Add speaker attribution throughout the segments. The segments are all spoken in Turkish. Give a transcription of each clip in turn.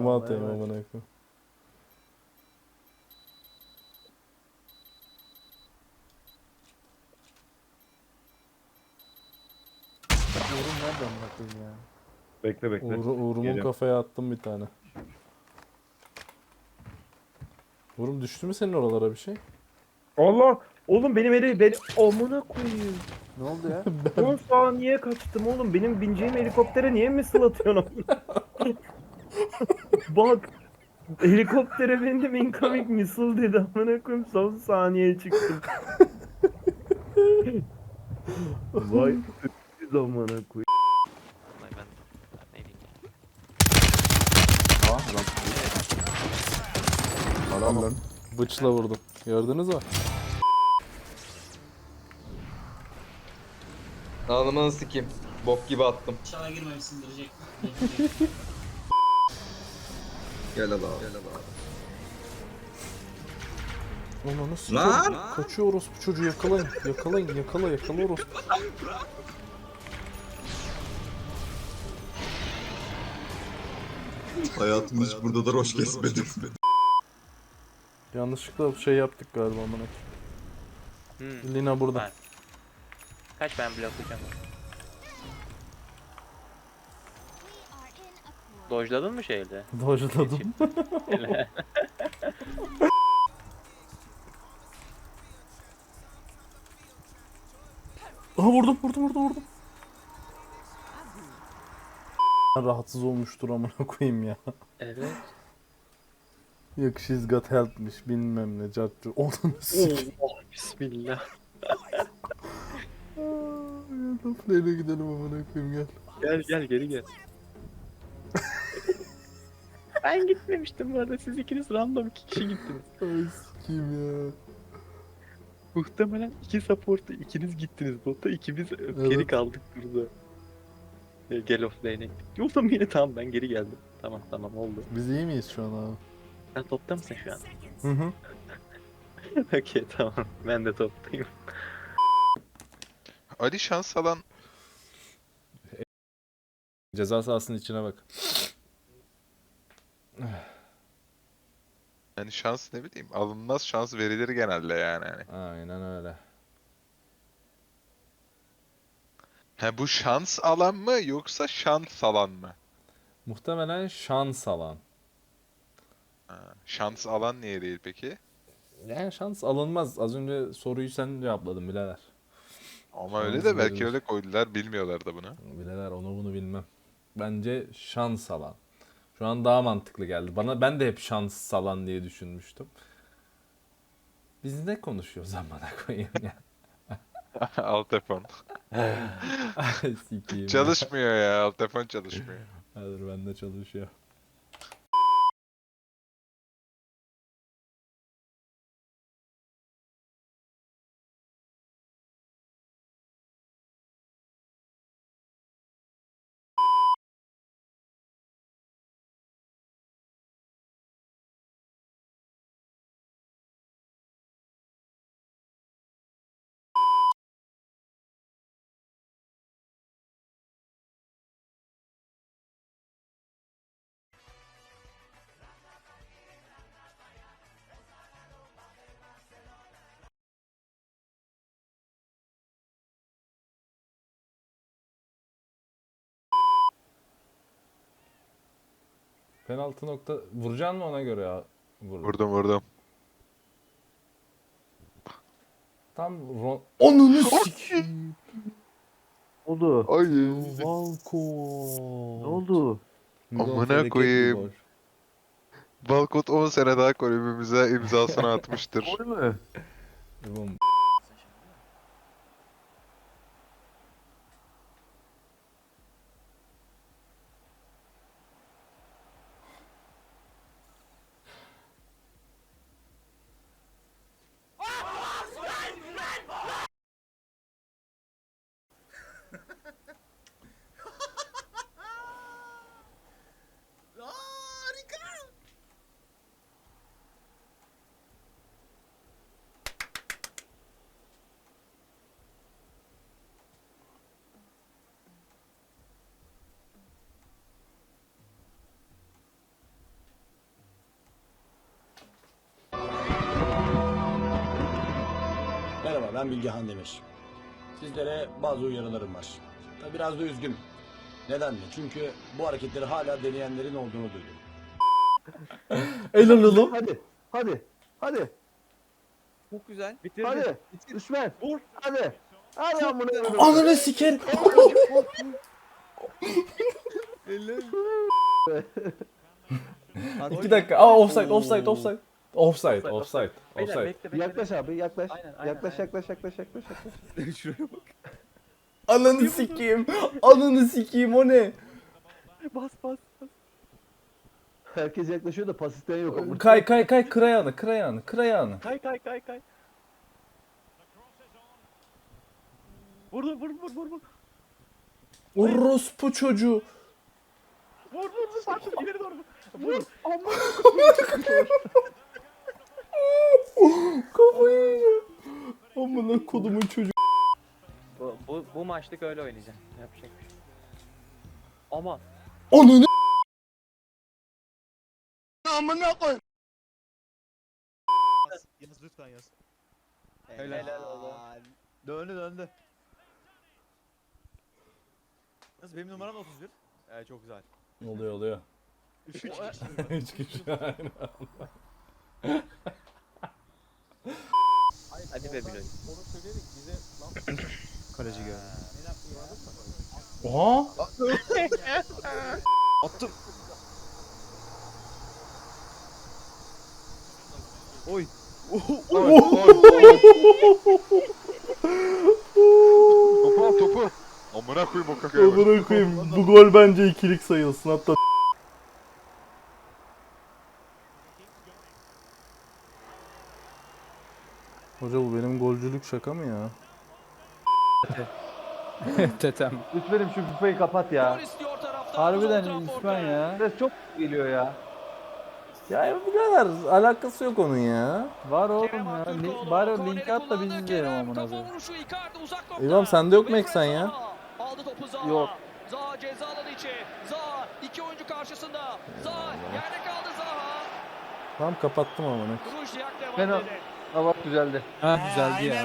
Speaker 1: Kuma atayım
Speaker 2: evet.
Speaker 1: amına koyayım.
Speaker 2: Uğur'un nerede amına koyayım ya?
Speaker 3: Bekle bekle.
Speaker 1: Uğur'umun
Speaker 3: Geliyorum.
Speaker 1: kafaya attım bir tane. Uğur'um düştü mü senin oralara bir şey?
Speaker 3: Allah! Oğlum beni amına koyayım.
Speaker 2: Ne oldu ya?
Speaker 3: 10 saniye kaçtım oğlum. Benim bineceğim helikoptere niye missile atıyorsun amına? Bak helikoptere bindim incoming missile dedi amına koyayım son saniye çıktım. Vay öküz amına koyayım.
Speaker 4: Vallahi ben ne diyeyim ya.
Speaker 2: Aa lan.
Speaker 1: Lan lan. Bıçla vurdum. Gördünüz mü?
Speaker 5: Ağzımını sikeyim. Bok gibi attım.
Speaker 6: İnşallah girmemişsindir Jack.
Speaker 5: Gel al abi. Gel al abi.
Speaker 1: Ananı sikeyim. Kaçıyor orospu çocuğu, yakalayın. Yakalayın, yakala orospu.
Speaker 7: Hayatımda hiç burada da roş kesmedim.
Speaker 1: Yanlışlıkla şey yaptık galiba amına koyayım. Lina burada.
Speaker 4: Var. Kaç ben bloklayacağım onu. Dojladın mı şeyde?
Speaker 1: Dojladım. Aha vurdum. Rahatsız olmuştur amına koyayım ya.
Speaker 4: Evet.
Speaker 1: Yok she's got help'miş bilmem ne cartçı. Onu sikeyim.
Speaker 4: Oh bismillah.
Speaker 1: Neyle gidelim amına koyayım gel.
Speaker 4: Gel geri gel. Ben gitmemiştim bu arada. Siz ikiniz random 2 kişi gittiniz.
Speaker 1: Ay sikeyim ya.
Speaker 4: Muhtemelen 2 support'ta ikiniz gittiniz bota. İkimiz geri kaldık burada. Gel offlane'e gittik. Yolda yine tamam ben geri geldim. Tamam oldu.
Speaker 1: Biz iyi miyiz şu an abi?
Speaker 4: Sen topta mısın şu an?
Speaker 1: Hı.
Speaker 4: Okey tamam. Ben de toptayım.
Speaker 8: Ali şans alan
Speaker 1: Ceza sahasının içine bak.
Speaker 8: yani şans ne bileyim alınmaz şans verilir genelde yani.
Speaker 1: Aynen öyle.
Speaker 8: Ha bu şans alan mı yoksa şans alan mı?
Speaker 1: Muhtemelen şans alan.
Speaker 8: Ha, şans alan niye değil peki?
Speaker 1: Yani şans alınmaz. Az önce soruyu sen cevapladın birader.
Speaker 8: Ama öyle
Speaker 1: Şans
Speaker 8: de belki
Speaker 1: verilir.
Speaker 8: öyle koydular bilmiyorlar da bunu.
Speaker 1: Birader onu bunu bilmem. Bence şans alan. Şu an daha mantıklı geldi. Ben de hep şans alan diye düşünmüştüm. Biz ne konuşuyoruz amına koyayım ya.
Speaker 8: Alt telefon.
Speaker 1: Ay sikeyim ya.
Speaker 8: Çalışmıyor ya alt telefon çalışmıyor.
Speaker 1: Hadi bende çalışıyor. Penaltı nokta vuracaksın mı ona göre ya?
Speaker 8: Vurdum.
Speaker 1: Tam Onunu sikeyim.
Speaker 3: Oldu.
Speaker 8: Ay.
Speaker 1: Valko.
Speaker 3: Ne oldu?
Speaker 8: Amına koyayım. Balkot 10 sene daha kulübümüze imzasını atmıştır.
Speaker 3: Gol mü?
Speaker 1: Oğlum,
Speaker 6: Merhaba, ben Bilgehan Demir. Sizlere bazı uyarılarım var. Tabii biraz da üzgünüm. Neden mi? Çünkü bu hareketleri hala deneyenlerin olduğunu duydum.
Speaker 1: Helal oğlum.
Speaker 2: Hadi. Hadi. Hadi.
Speaker 4: Çok güzel.
Speaker 2: Hadi. Düşman. Vur. Hadi. Hadi amına koyayım.
Speaker 1: Ananı siker. İki dakika. Aa offside. Offside.
Speaker 4: Beyler bekle.
Speaker 2: Yaklaş abi yaklaş.
Speaker 4: Aynen.
Speaker 2: Yaklaş.
Speaker 4: Şuraya bak.
Speaker 1: Ananı sikeyim. Ananı sikeyim o ne?
Speaker 4: Bas.
Speaker 2: Herkes yaklaşıyor da pas isteyen yok. ama.
Speaker 1: Kay kır ayağını.
Speaker 4: Kay. Vur.
Speaker 1: Orospu çocuğu.
Speaker 4: Vur. Sarkın ileri doğru. Vur.
Speaker 1: Kafayı yiyeceğim. Amına kodumun çocuğu.
Speaker 4: Bu maçlık öyle oynayacağım. Yapacak bir şey. Ama
Speaker 1: Ananı.
Speaker 9: Yaz lütfen yaz.
Speaker 4: helal olsun.
Speaker 9: Döndü. Nasıl benim numaram 31? Çok güzel.
Speaker 1: Oluyor.
Speaker 9: 3
Speaker 1: Üç kişi aynı.
Speaker 4: Hadi be Biloy.
Speaker 9: Kaleci geldi.
Speaker 1: Oha.
Speaker 9: Attım. Oy.
Speaker 8: Topu. Amına koyayım o kakaya bak.
Speaker 1: Amına koyayım. Bu gol bence ikilik sayılsın hatta. Hoca bu benim golcülük şaka mı ya?
Speaker 3: Tetem.
Speaker 2: Lütfenim şu kupayı kapat ya.
Speaker 3: Harbiden İsmail ya.
Speaker 2: Ses çok geliyor ya.
Speaker 1: Ya birader alakası yok onun ya.
Speaker 3: Var oğlum ya. Bari o linki at da biz izleyelim amına koyayım.
Speaker 1: İmam sende yok mu eksen ya?
Speaker 10: Aldı topu Zaha.
Speaker 2: Yok.
Speaker 10: Zaha ceza alanı içi. Zaha iki oyuncu karşısında. Zaha yerde kaldı Zaha.
Speaker 1: Tamam kapattım amına.
Speaker 10: Krujniak devam
Speaker 2: Fena.
Speaker 10: dedi.
Speaker 2: Hava düzeldi.
Speaker 3: Ha güzeldi ya.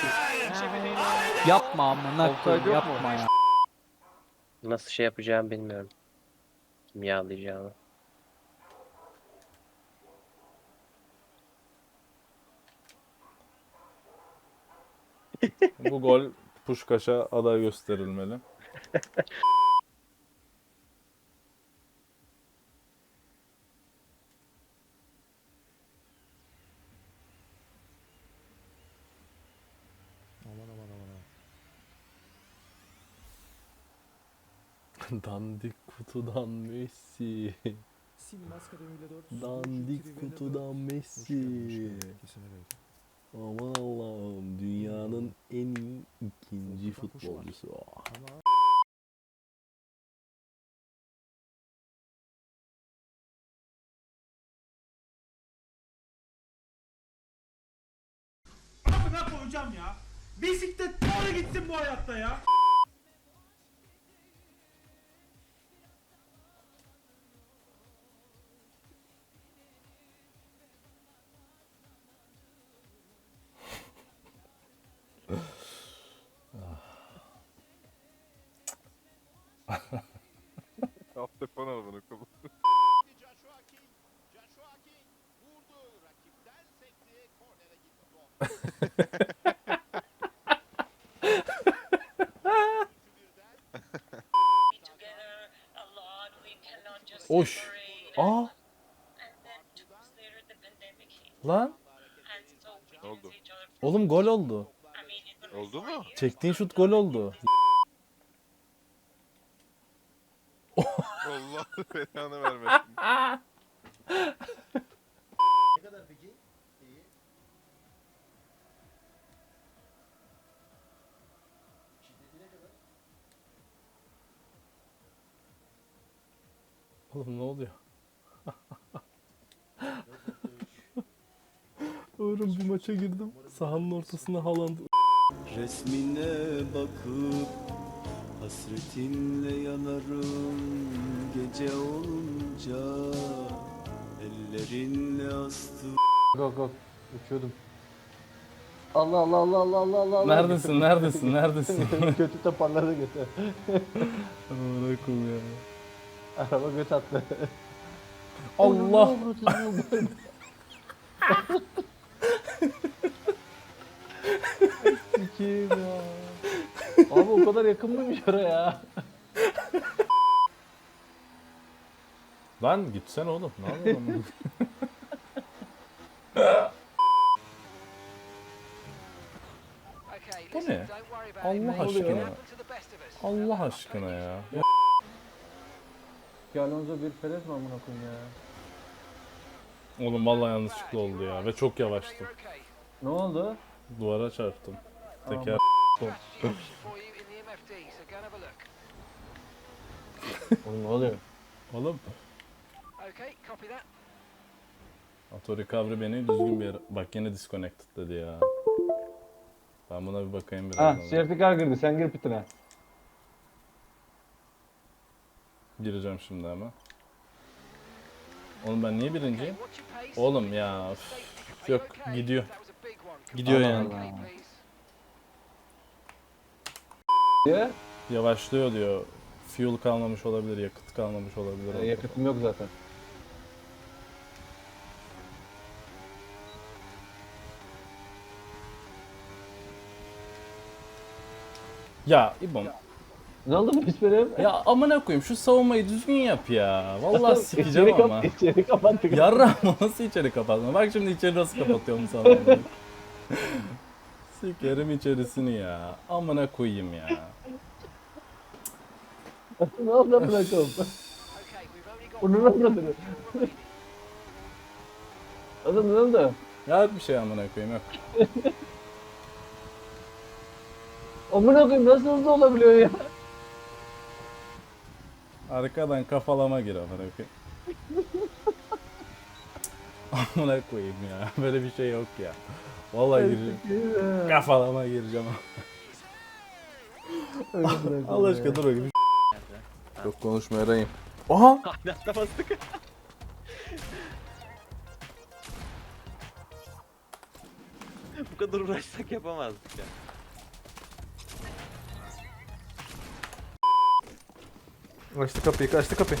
Speaker 3: Yapma amına koyayım yapma ya.
Speaker 4: Nasıl şey yapacağımı bilmiyorum. Kimyalayacağımı.
Speaker 1: Bu gol Puşkaş'a aday gösterilmeli. Dandik kutudan Messi. Dandik kutudan Messi. Aman Allah'ım dünyanın en iyi ikinci futbolcusu.
Speaker 9: Ne koyacağım ya? Bisiklet doğru gitsin bu hayatta ya.
Speaker 8: Hafta falan amına koyayım.
Speaker 1: Oş. Aa. Lan.
Speaker 8: Ne oldu?
Speaker 1: Oğlum gol oldu.
Speaker 8: Oldu mu?
Speaker 1: Çektiğin şut gol oldu.
Speaker 8: Allah belanı vermesin.
Speaker 9: Ne kadar peki? İyi. Şiddeti ne kadar?
Speaker 1: Oğlum ne oluyor? Oğlum bir maça girdim. Sahanın ortasında Haaland.
Speaker 6: Resmine bakıp hasretinle yanarım gece olunca ellerinle astım.
Speaker 2: Go. Uçuyordum. Allah Allah Allah Allah Allah Allah.
Speaker 1: Neredesin? Neredesin? Neredesin?
Speaker 2: Kötü toparladı götü.
Speaker 1: Amına koyayım ya.
Speaker 2: Araba göt attı.
Speaker 1: Allah.
Speaker 2: Sikiyim ya. Abi o kadar yakın mıymış oraya?
Speaker 1: Lan gitsene oğlum. Ne yapıyorsun? Bu ne? Allah aşkına. Allah aşkına ya.
Speaker 2: Alonso bir Perez mi amına koyayım ya?
Speaker 1: Oğlum vallahi yanlışlıkla oldu ya ve çok yavaştım.
Speaker 2: Ne oldu?
Speaker 1: Duvara çarptım. Teker
Speaker 2: Oğlum ne oluyor?
Speaker 1: Oğlum. Auto recovery beni düzgün bir yere... Bak yine disconnected dedi ya. Ben buna bir bakayım biraz.
Speaker 2: Ha, safety car girdi. Sen gir pitine.
Speaker 1: Gireceğim şimdi hemen. Oğlum ben niye birinciyim? Oğlum ya. Üf. Yok gidiyor. Gidiyor yani.
Speaker 2: Diye.
Speaker 1: Yavaşlıyor diyor. Fuel kalmamış olabilir, yakıt kalmamış olabilir.
Speaker 2: Yakıtım yok zaten.
Speaker 1: Ya İbom.
Speaker 2: Ne oldu bu pisperim?
Speaker 1: Ya amına koyayım şu savunmayı düzgün yap ya. Vallahi sikeceğim ama.
Speaker 2: İçeri kapattık.
Speaker 1: Yarra nasıl içeri kapatma? Bak şimdi içeri nasıl kapatıyorum sana. Sikerim içerisini ya. Amına koyayım ya.
Speaker 2: Ne oldu bırakalım? Bunu ne oldu? Adam ne oldu?
Speaker 1: Ya bir şey amına koyayım yok.
Speaker 2: Amına koyayım nasıl hızlı olabiliyor ya?
Speaker 1: Arkadan kafalama gir amına koyayım. Amına koyayım ya. Böyle bir şey yok ya. Vallahi gireceğim. Kafalama gireceğim. Allah aşkına dur bakayım. Çok konuşma yarayım. Aha!
Speaker 4: Aynı bastık. Bu kadar uğraşsak yapamazdık ya.
Speaker 1: Açtı kapıyı, kaçtı kapıyı.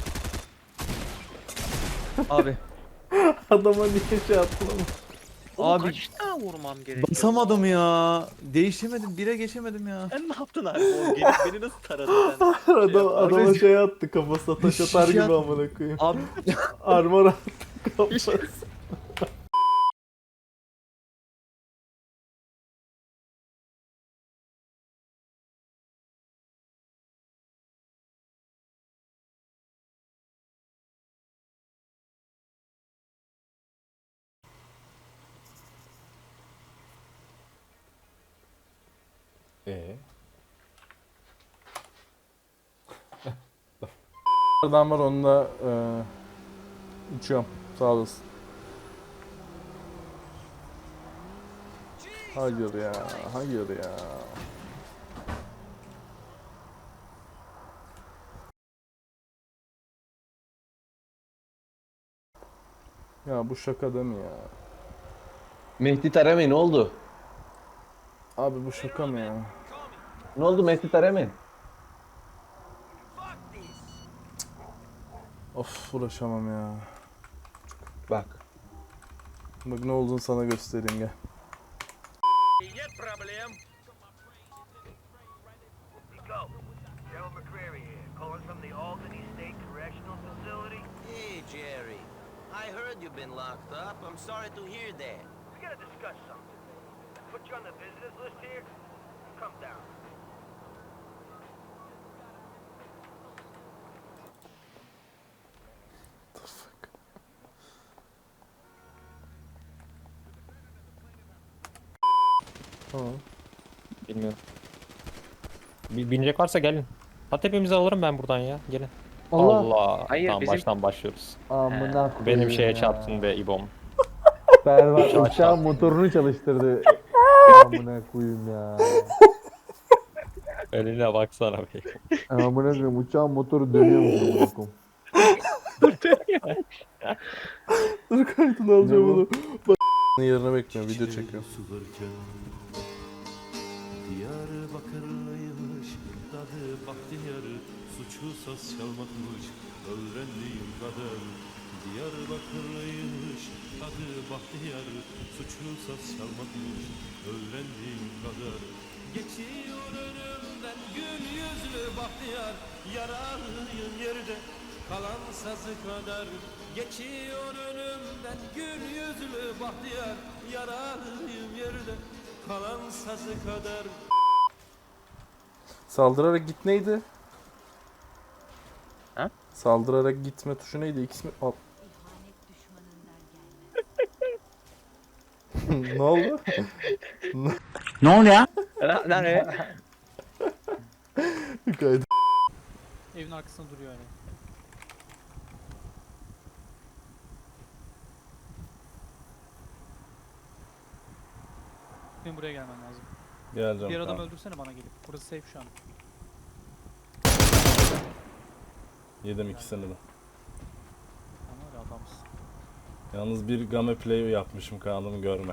Speaker 4: Abi.
Speaker 1: Adama niye şey attın ama?
Speaker 4: Abi kaç tane vurmam gerekiyor?
Speaker 7: Basamadım ya. Değişemedim. Bire geçemedim ya.
Speaker 4: Sen ne yaptın abi? O gelip beni nasıl taradın sen?
Speaker 1: Adama şey attı kafasına taş atar gibi amına koyayım.
Speaker 7: Abi
Speaker 1: Armor attı kafasına. Adam var onunla içiyorum. Sağ olasın. Hayır ya, hayır ya. Ya bu şaka değil mi ya?
Speaker 2: Mehdi Taremi ne oldu?
Speaker 1: Abi bu şaka mı ya?
Speaker 2: Ne oldu Mehdi Taremi?
Speaker 1: Of uğraşamam ya.
Speaker 2: Bak.
Speaker 1: Bak ne olduğunu sana göstereyim gel.
Speaker 10: Hey, Jerry. I heard you've been locked up. I'm sorry to hear that. We gotta discuss something. Put you on the visitors list here. Come down.
Speaker 1: Tamam.
Speaker 3: Bilmiyorum. Binecek varsa gelin. Hat hepimizi alırım ben buradan ya. Gelin.
Speaker 2: Allah.
Speaker 3: Allah.
Speaker 4: Hayır,
Speaker 3: tamam
Speaker 4: bizim-
Speaker 3: baştan başlıyoruz.
Speaker 2: Amına koyayım.
Speaker 3: Benim şeye
Speaker 2: ya.
Speaker 3: çarptın be İbom.
Speaker 2: Berbat
Speaker 3: Uçağı
Speaker 2: uçağın motorunu çalıştırdı. Amına koyayım ya.
Speaker 3: Önüne baksana be.
Speaker 2: Amına koyayım uçağın motoru dönüyormuş amına koyayım.
Speaker 1: Dur kaydını alacağım
Speaker 2: Ne bu?
Speaker 1: onu. Yerine bekliyorum, video çekiyor.
Speaker 9: Diyarbakırlıymış, dadı bahtiyar, suçu saz çalmakmış, öğrendiğim kadar. Diyarbakırlıymış, dadı bahtiyar, suçu saz çalmakmış, öğrendiğim kadar. Geçiyor önümden gül yüzlü bahtiyar, yaralıyım yerde, kalan sazı kadar. Geçiyor önümden gül yüzlü bahtiyar, yaralıyım yerde, kalan sazı kadar.
Speaker 1: Saldırarak git neydi?
Speaker 4: Ha?
Speaker 1: Saldırarak gitme tuşu neydi? X mi? Al. Ne oldu?
Speaker 4: Nereye?
Speaker 1: Kaydı.
Speaker 9: Evin arkasında duruyor yani. Benim buraya gelmen lazım.
Speaker 1: Geleceğim.
Speaker 9: Diğer adam
Speaker 1: Tamam.
Speaker 9: öldürsene bana gelip. Burası safe şu an.
Speaker 1: Yedim ikisini de.
Speaker 9: Ama öyle adamsın.
Speaker 1: Yalnız bir game play yapmışım, kanalımı görme.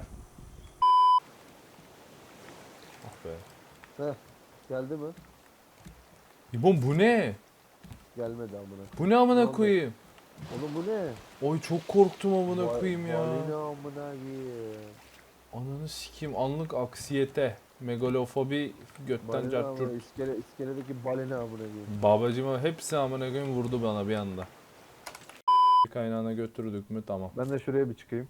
Speaker 1: Oh be.
Speaker 2: Geldi mi?
Speaker 1: İbon bu ne?
Speaker 2: Gelmedi amına.
Speaker 1: Bu ne amına
Speaker 2: Ne oldu?
Speaker 1: koyayım?
Speaker 2: Oğlum bu ne?
Speaker 1: Oy çok korktum amına
Speaker 2: Ba-
Speaker 1: koyayım ya.
Speaker 2: Balina amına koyayım.
Speaker 1: Ananı sikeyim, anlık aksiyete, megalofobi, götten
Speaker 2: Balina
Speaker 1: cartçurt.
Speaker 2: amına, iskeledeki balina amına koyayım.
Speaker 1: Babacıma hepsi amına koyayım vurdu bana bir anda. Kaynağına götürdük mü tamam.
Speaker 2: Ben de şuraya bir çıkayım.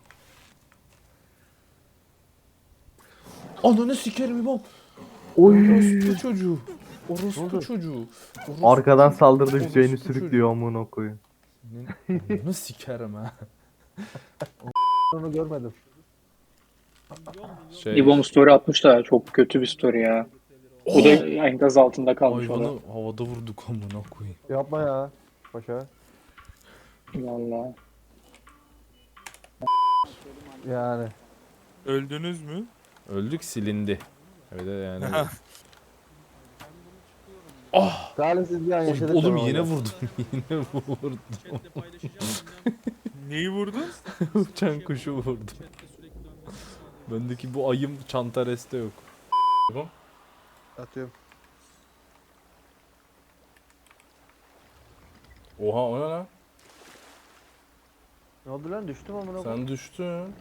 Speaker 1: Ananı sikerim İbon.
Speaker 3: Oy.
Speaker 1: Orospu çocuğu.
Speaker 2: Ne
Speaker 1: Orospu
Speaker 2: oldu?
Speaker 1: çocuğu. Orospu
Speaker 3: Arkadan
Speaker 1: çocuğu.
Speaker 3: saldırdı
Speaker 1: Orospu
Speaker 3: Hüseyin'i
Speaker 1: çocuğu.
Speaker 3: sürüklüyor amına koyayım.
Speaker 1: Ananı sikerim ha.
Speaker 2: Onu görmedim.
Speaker 1: Şey,
Speaker 9: İbom story atmış da çok kötü bir story ya. Bu da enkaz altında kalmış o da.
Speaker 1: hayvanı havada vurduk amına koyayım.
Speaker 2: Yapma ya. Paşa.
Speaker 9: Valla.
Speaker 2: Yani.
Speaker 7: Öldünüz mü?
Speaker 1: Öldük, silindi. Evet yani.
Speaker 2: Talihsiz bir an yaşadık.
Speaker 1: Oğlum
Speaker 2: ben
Speaker 1: yine
Speaker 2: orada.
Speaker 1: vurdum. Yine vurdum.
Speaker 7: Neyi vurdun?
Speaker 1: Uçan kuşu vurdum. Bendeki bu ayım çanta reste yok.
Speaker 2: Atıyorum.
Speaker 1: Oha o ne lan?
Speaker 2: Ne oldu lan, düştüm amına koyayım.
Speaker 1: Sen düştün.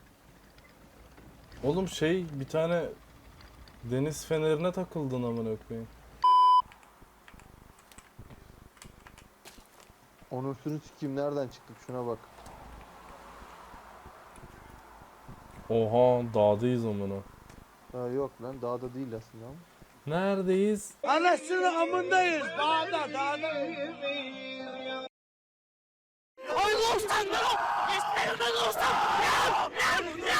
Speaker 1: Oğlum şey, bir tane deniz fenerine takıldın amına koyayım.
Speaker 2: Onursunu sikeyim, nereden çıktık şuna bak.
Speaker 1: Oha dağdayız amına.
Speaker 2: Ha yok lan, dağda değil aslında ama.
Speaker 1: Neredeyiz?
Speaker 9: Anasını amındayız. Dağda. Ay dostum! İsterim dostum!